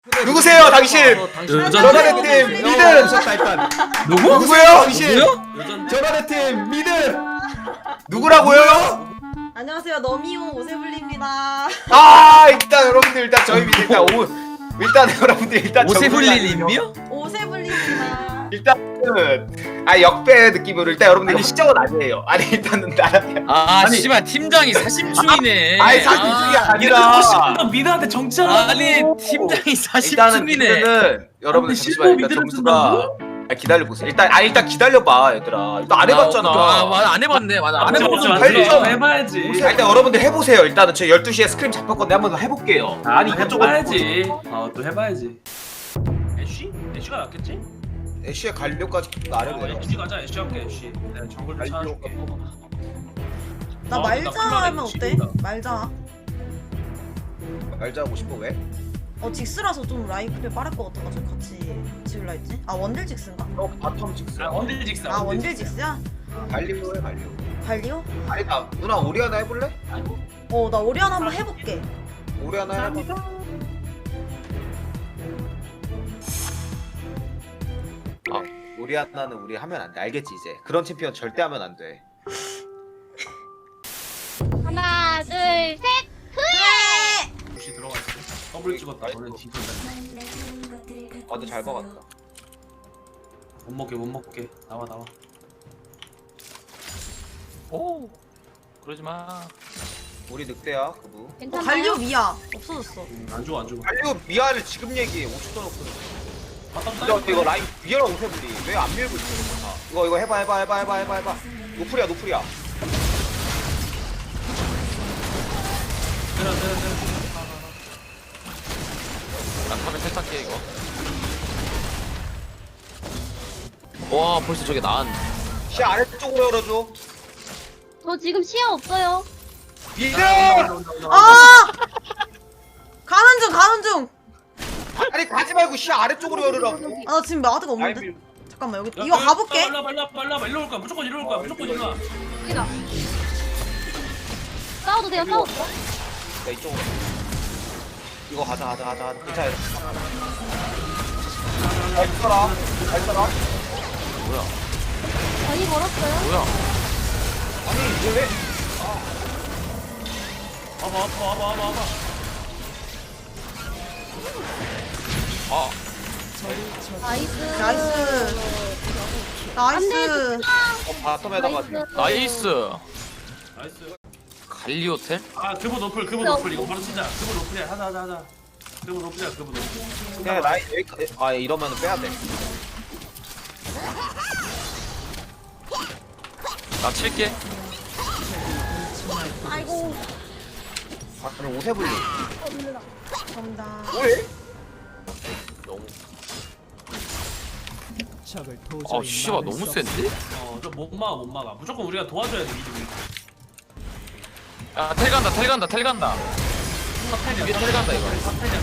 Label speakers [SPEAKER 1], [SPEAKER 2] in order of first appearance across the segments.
[SPEAKER 1] 누구세요, 당신? 전화대 팀 미드. 누구세요, 당신? 전화대 팀 미드. 누구라고요?
[SPEAKER 2] 안녕하세요, 너미오 오세블리입니다.
[SPEAKER 1] 아, 일단 여러분들 일단 저희 미드 일단 여러분들 일단
[SPEAKER 3] 오세블리님이요?
[SPEAKER 2] 오세블리입니다.
[SPEAKER 1] 일단은 역배 느낌으로 일단 여러분들 이거 시작은 아니에요. 아니 일단은 나는
[SPEAKER 3] 아 씨발 팀장이 사심충이네.
[SPEAKER 1] 아니 사실이 아니라
[SPEAKER 4] 미드한테 정치하라고.
[SPEAKER 3] 아니 팀장이
[SPEAKER 1] 일단은
[SPEAKER 3] 사심충이네.
[SPEAKER 1] 미드는 여러분들
[SPEAKER 4] 근데
[SPEAKER 1] 잠시만 일단
[SPEAKER 4] 미드를
[SPEAKER 1] 점수가 기다려보세요. 일단 기다려봐 얘들아. 일단 안 해봤잖아.
[SPEAKER 3] 맞아 안 해봤네. 맞아 안 해봤어.
[SPEAKER 1] 맞아.
[SPEAKER 4] 해봐야지.
[SPEAKER 1] 일단 여러분들 해보세요. 일단은 제 12시에 스크림 잡혔건데 한번 더 해볼게요.
[SPEAKER 4] 아니
[SPEAKER 1] 그쪽은
[SPEAKER 4] 해봐야지. 또 해봐야지. 애쉬? 애쉬가 낫겠지?
[SPEAKER 1] 애쉬의 갈려까지 안 해도 돼요.
[SPEAKER 4] 애쉬 가자. 애쉬 할게. 애쉬. 내가 정글 좀 찾아줄게.
[SPEAKER 2] 나 말자 하면 어때? 말자.
[SPEAKER 1] 말자 하고 싶어 왜?
[SPEAKER 2] 직스라서 좀 라이프에 빠를 것 같아가지고 같이 지울라 했지. 아 원딜 직스인가?
[SPEAKER 1] 바텀 직스.
[SPEAKER 4] 원딜 직스.
[SPEAKER 2] 아 원딜 직스야?
[SPEAKER 1] 갈리오 해 갈리오.
[SPEAKER 2] 발리오?
[SPEAKER 1] 아니 나 누나 오리아나 해볼래?
[SPEAKER 2] 나 오리아나 한번 해볼게.
[SPEAKER 1] 오리아나 해봐. 오리아나는 우리 하면 안 돼. 알겠지 이제. 그런 챔피언 절대 하면 안 돼.
[SPEAKER 5] 하나, 둘, 셋.
[SPEAKER 4] 혹시 들어가 있어? 더블 찍었다. 너는 뒤진다.
[SPEAKER 1] 근데 잘 박았다.
[SPEAKER 4] 못 먹게 못 먹게. 나와.
[SPEAKER 3] 오 그러지 마.
[SPEAKER 1] 우리 늑대야 그부.
[SPEAKER 5] 괜찮아요?
[SPEAKER 2] 갈리오 미야 없어졌어.
[SPEAKER 4] 안 죽어 안 죽어.
[SPEAKER 1] 갈리오 미아를 지금 얘기해. 50도 없거든.
[SPEAKER 4] 바텀
[SPEAKER 1] 이거 라인 미아랑 오세블리 왜 안 밀고 있어 이거 다. 이거 해봐. 노플이야.
[SPEAKER 4] 때려.
[SPEAKER 3] 난 카메라 세탁해 이거. 와 벌써 저게 나은.
[SPEAKER 1] 시 아래쪽으로 열어줘.
[SPEAKER 5] 저 지금 시야 없어요.
[SPEAKER 1] 미드!
[SPEAKER 2] 가는 중.
[SPEAKER 1] 아니 가지 말고 시 아래쪽으로 열으라고.
[SPEAKER 2] 나 지금 마드가
[SPEAKER 1] 라인
[SPEAKER 2] 없는데.
[SPEAKER 1] 밀.
[SPEAKER 2] 잠깐만 여기 이거 가볼게.
[SPEAKER 4] 빨라. 일로 올 거야. 무조건 일로 올 거야. 무조건 일로 와.
[SPEAKER 5] 여기다. 싸워도 돼요, 싸워도.
[SPEAKER 1] 야 이쪽으로. 이거 가자. 괜찮아. 잘 써라.
[SPEAKER 3] 뭐야?
[SPEAKER 5] 많이 걸었어요?
[SPEAKER 3] 뭐야?
[SPEAKER 1] 아니 왜?
[SPEAKER 4] 와봐.
[SPEAKER 3] 아
[SPEAKER 5] 나이스.
[SPEAKER 2] 나이스.
[SPEAKER 1] 바텀에다가
[SPEAKER 3] 나이스.
[SPEAKER 4] 나이스.
[SPEAKER 3] 갈리오텔?
[SPEAKER 4] 그브 노플 이거 바로 치자. 그브 노플이야. 하자. 그브 노플.
[SPEAKER 1] 그냥 라인 여기 이러면은 빼야 돼.
[SPEAKER 3] 나 칠게.
[SPEAKER 5] 아이고.
[SPEAKER 1] 그럼 오세블리.
[SPEAKER 2] 감사합니다.
[SPEAKER 1] 뭐해?
[SPEAKER 3] 너무. 아 씨발 너무 센데?
[SPEAKER 4] 못 막아. 무조건 우리가 도와줘야 돼. 미드.
[SPEAKER 3] 야 텔 간다. 위에 텔 간다 이거.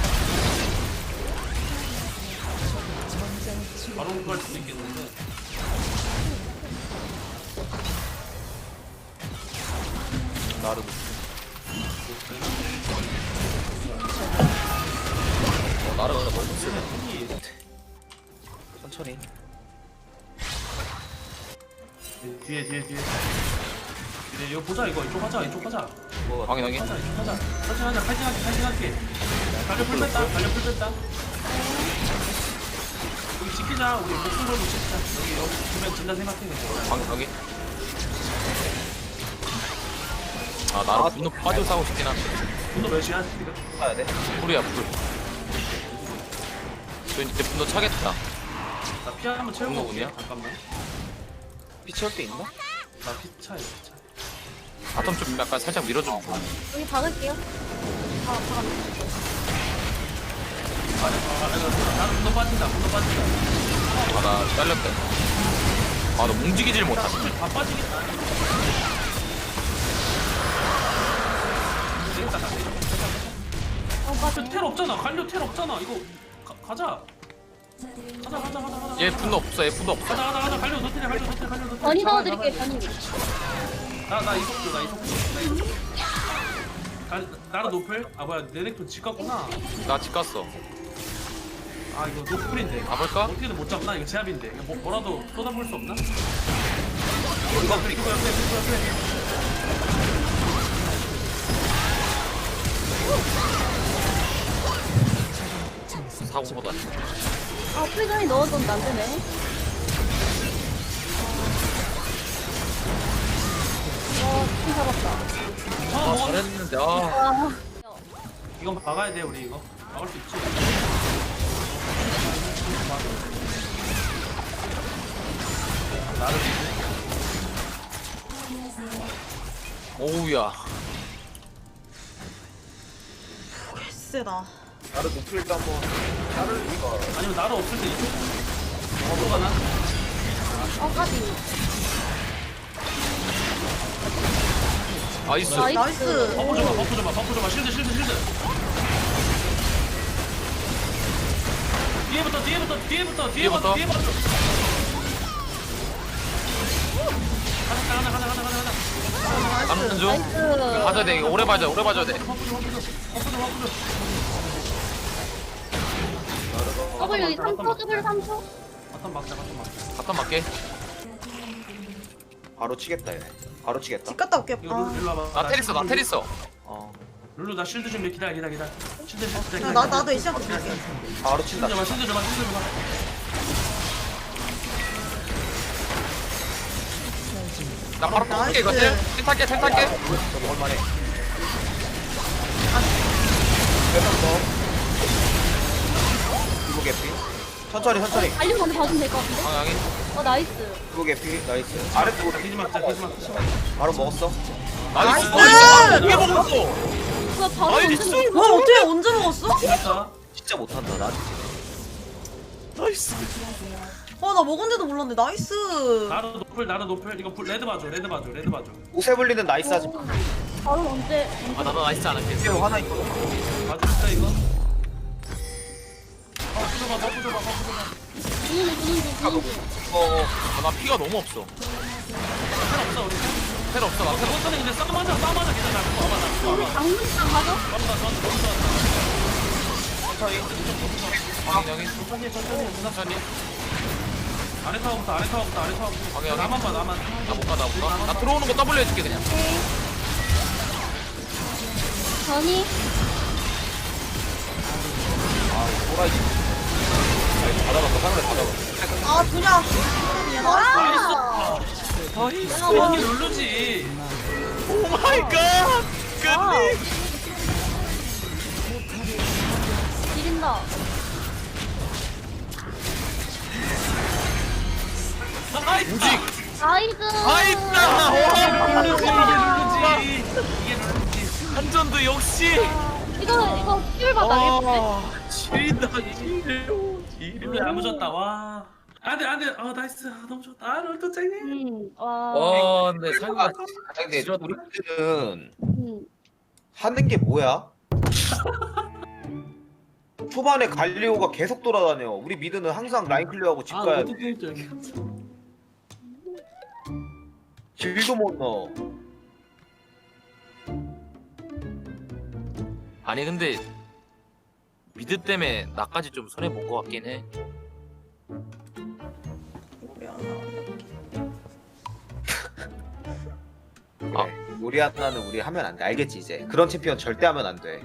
[SPEAKER 4] 바로 갈 수도 있겠는데.
[SPEAKER 1] 나르도.
[SPEAKER 3] 나르가 너무 세네.
[SPEAKER 1] 천천히.
[SPEAKER 4] 뒤에. 이거 보자 이거. 이쪽 하자.
[SPEAKER 3] 확인하게.
[SPEAKER 4] 하자. 천천히 하자. 파이팅 할게. 갈려 풀 뺐다. 우리 지키자. 우리 목숨 걸고 지키자. 여기 주변 진다 생각해.
[SPEAKER 3] 확인하게. 아 나로 분노 빠져 싸고 싶긴 한데.
[SPEAKER 4] 분노 몇이야 지금?
[SPEAKER 1] 가야 돼.
[SPEAKER 3] 불이야 불. 저 이제 분노 차겠다.
[SPEAKER 4] 나 피 한번 채우고
[SPEAKER 3] 분노
[SPEAKER 4] 올게.
[SPEAKER 3] 운이야?
[SPEAKER 4] 잠깐만.
[SPEAKER 1] 피치할 때 있나?
[SPEAKER 4] 나 피 차야.
[SPEAKER 3] 바텀 좀 약간 살짝 밀어주면 좋아.
[SPEAKER 5] 여기 박을게요.
[SPEAKER 4] 나는 분노 빠진다.
[SPEAKER 3] 아나 잘렸다. 아나 움직이질 못하네.
[SPEAKER 4] 다 빠지겠다. 텔 없잖아. 갈려 텔 없잖아. 이거 가자. 가자.
[SPEAKER 3] 얘 분노 없어.
[SPEAKER 4] 가자. 갈려 노텔.
[SPEAKER 5] 변이 넣어드릴게요, 변이.
[SPEAKER 4] 나 이속도. 나라 노플? 아 뭐야, 내 넥톤 집 갔구나.
[SPEAKER 3] 나 집 갔어.
[SPEAKER 4] 아 이거 노플인데.
[SPEAKER 3] 가볼까?
[SPEAKER 4] 어떻게든 못 잡나? 이거 제압인데. 이거 뭐라도 쏟아볼 수 없나?
[SPEAKER 1] 이거
[SPEAKER 4] 이거 옆에.
[SPEAKER 3] 사고보다.
[SPEAKER 5] 아, 프리전이 넣어줬는데 안 되네. 좀 잡았다.
[SPEAKER 3] 아 잘했는데 아.
[SPEAKER 5] 와.
[SPEAKER 4] 이건 막아야 돼 우리 이거. 막을 수 있지. 나를
[SPEAKER 3] 오우야.
[SPEAKER 2] 개쎄다.
[SPEAKER 1] 나를 노플 때 한번 나를 이거
[SPEAKER 4] 아니면 나를 없을 때 이쪽. 어디가 나?
[SPEAKER 5] 까지.
[SPEAKER 3] 나이스.
[SPEAKER 2] 나이스.
[SPEAKER 4] 버프 줘봐. 실드. 뒤에부터.
[SPEAKER 3] 뒤에부터?
[SPEAKER 4] 하나.
[SPEAKER 3] 가는 중.
[SPEAKER 5] 나이스.
[SPEAKER 3] 봐줘야 돼. 이거 오래 봐줘야 돼.
[SPEAKER 5] W 3초, W 3초.
[SPEAKER 4] 바텀 막자.
[SPEAKER 3] 바텀 맞게.
[SPEAKER 1] 바로 치겠다 얘네. 바로 치겠다.
[SPEAKER 2] 집 갔다 올게.
[SPEAKER 4] 이거
[SPEAKER 2] 아.
[SPEAKER 4] 룰루 와봐.
[SPEAKER 3] 나 테리스.
[SPEAKER 1] 어.
[SPEAKER 4] 룰루 나 실드 준비 기다려. 실드.
[SPEAKER 2] 나도 애쉬한테 줄게.
[SPEAKER 1] 바로 친다.
[SPEAKER 4] 실드 줘봐.
[SPEAKER 3] 나 바로
[SPEAKER 2] 나이스.
[SPEAKER 3] 탈게 이거 텔 탈게.
[SPEAKER 1] 저거 얼마네. 몇번 이거 개피. 천천히.
[SPEAKER 5] 달리고 먼저 봐주면 될 것 같은데?
[SPEAKER 3] 방향이.
[SPEAKER 5] 나이스.
[SPEAKER 1] 이거 개피. 나이스. 아래쪽으로
[SPEAKER 4] 기지 막자.
[SPEAKER 1] 바로 먹었어.
[SPEAKER 3] 나이스.
[SPEAKER 2] 나이스!
[SPEAKER 3] 이게 먹었어.
[SPEAKER 5] 그거 바로
[SPEAKER 3] 나이스.
[SPEAKER 5] 언제
[SPEAKER 2] 와 어떻게 언제 먹었어?
[SPEAKER 4] 됐다.
[SPEAKER 1] 진짜 못한다 나.
[SPEAKER 3] 나이스.
[SPEAKER 2] 나 먹은지도 몰랐는데 나이스.
[SPEAKER 4] 나는 노플. 이거 레드 봐줘.
[SPEAKER 1] 오세블리는 나이스하지.
[SPEAKER 5] 바로 언제?
[SPEAKER 3] 아 나도 나이스 안 할게.
[SPEAKER 1] 이거 하나 있거든.
[SPEAKER 4] 봐줄까 이거? 버프 줘봐.
[SPEAKER 5] 주는 중.
[SPEAKER 3] 나 피가 너무 없어.
[SPEAKER 4] 텔 없어 우리.
[SPEAKER 3] 텔 없어. 나 텔.
[SPEAKER 4] 버튼에 근데 싸움하자. 괜찮아.
[SPEAKER 5] 우리
[SPEAKER 4] 와봐.
[SPEAKER 5] 강물상 가죠?
[SPEAKER 3] 천천히.
[SPEAKER 4] 아래 타워부터.
[SPEAKER 3] 방해.
[SPEAKER 4] 나만 봐.
[SPEAKER 3] 나 못 가. 나 들어오는 거 W 해줄게 그냥.
[SPEAKER 5] 전이.
[SPEAKER 1] 호라이. 받아봤어. 상대 받아봤어.
[SPEAKER 2] 아 두냐.
[SPEAKER 4] 나이스.
[SPEAKER 5] 아,
[SPEAKER 4] 이게 룰루지.
[SPEAKER 3] 오 마이 갓. 끝내.
[SPEAKER 5] 지린다.
[SPEAKER 4] 나이스.
[SPEAKER 3] 무직.
[SPEAKER 5] 나이스.
[SPEAKER 3] 나이스.
[SPEAKER 4] 이게 룰루지.
[SPEAKER 3] 한전도 역시.
[SPEAKER 5] 이거 킬 받아야겠는데?
[SPEAKER 3] 지린다.
[SPEAKER 4] 룰루 야무졌다. 와. 안돼. 나이스. 너무 좋다. 룰루 짱이.
[SPEAKER 5] 와.
[SPEAKER 3] 와 근데 상가.
[SPEAKER 1] 아니 근데 우리들은 하는 게 뭐야? 초반에 갈리오가 계속 돌아다녀. 우리 미드는 항상 라인 클리어하고 집 가야 돼. 길도 못 넣어.
[SPEAKER 3] 아니 근데 미드 때문에 나까지 좀 손해 본 것 같긴 해.
[SPEAKER 1] 그래. 우리 하나는 우리 하면 안 돼. 알겠지 이제. 그런 챔피언 절대 하면 안 돼.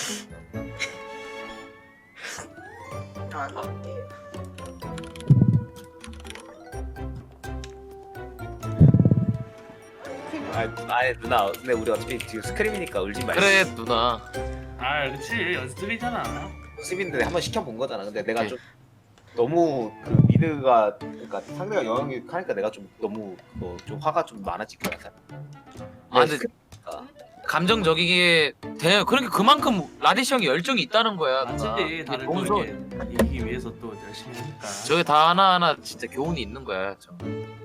[SPEAKER 2] 안 할게.
[SPEAKER 1] 아니 누나. 근데 우리 어차피 지금 스크림이니까 울지 말자.
[SPEAKER 3] 그래 누나.
[SPEAKER 4] 아 그렇지. 연습이잖아.
[SPEAKER 1] 연습인데 한번 시켜본 거잖아. 근데 내가
[SPEAKER 3] 오케이.
[SPEAKER 1] 좀 너무 그 미드가 그러니까 상대가 영향이 하니까 내가 좀 너무 좀 화가 좀 많아질 것 같아.
[SPEAKER 3] 아 근데 감정적이게 돼. 그러니까 그만큼 라디시 형이 열정이 있다는 거야.
[SPEAKER 4] 맞지.
[SPEAKER 3] 누나.
[SPEAKER 4] 다들
[SPEAKER 3] 너무
[SPEAKER 4] 또
[SPEAKER 3] 좋아.
[SPEAKER 4] 이렇게 이기기 위해서 또 열심히 하니까.
[SPEAKER 3] 저게 다 하나하나 진짜 교훈이 있는 거야. 저.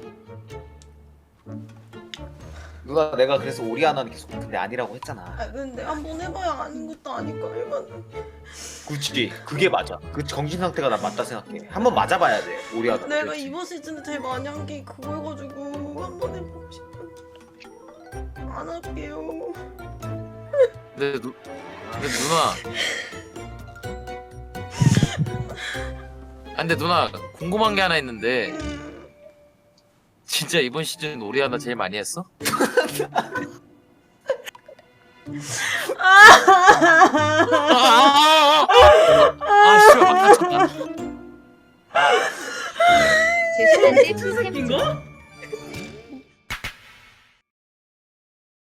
[SPEAKER 1] 누나 내가 그래서 오리아나는 계속 근데 아니라고 했잖아.
[SPEAKER 2] 근데 한번 해봐야 아닌 것도 아니까 해만.
[SPEAKER 1] 그치 그게 맞아. 그 정신 상태가 난 맞다 생각해. 한번 맞아봐야 돼 오리아나.
[SPEAKER 2] 내가
[SPEAKER 1] 그렇지.
[SPEAKER 2] 이번 시즌에 제일 많이 한 게 그거여가지고 한번 해보고 싶어. 안 할게요.
[SPEAKER 3] 근데 누나 근데 누나 궁금한 게 하나 있는데 진짜 이번 시즌 오리아나 제일 많이 했어? 아 씨발 막 다쳤다.
[SPEAKER 5] 죄송한데
[SPEAKER 2] 새끼인가?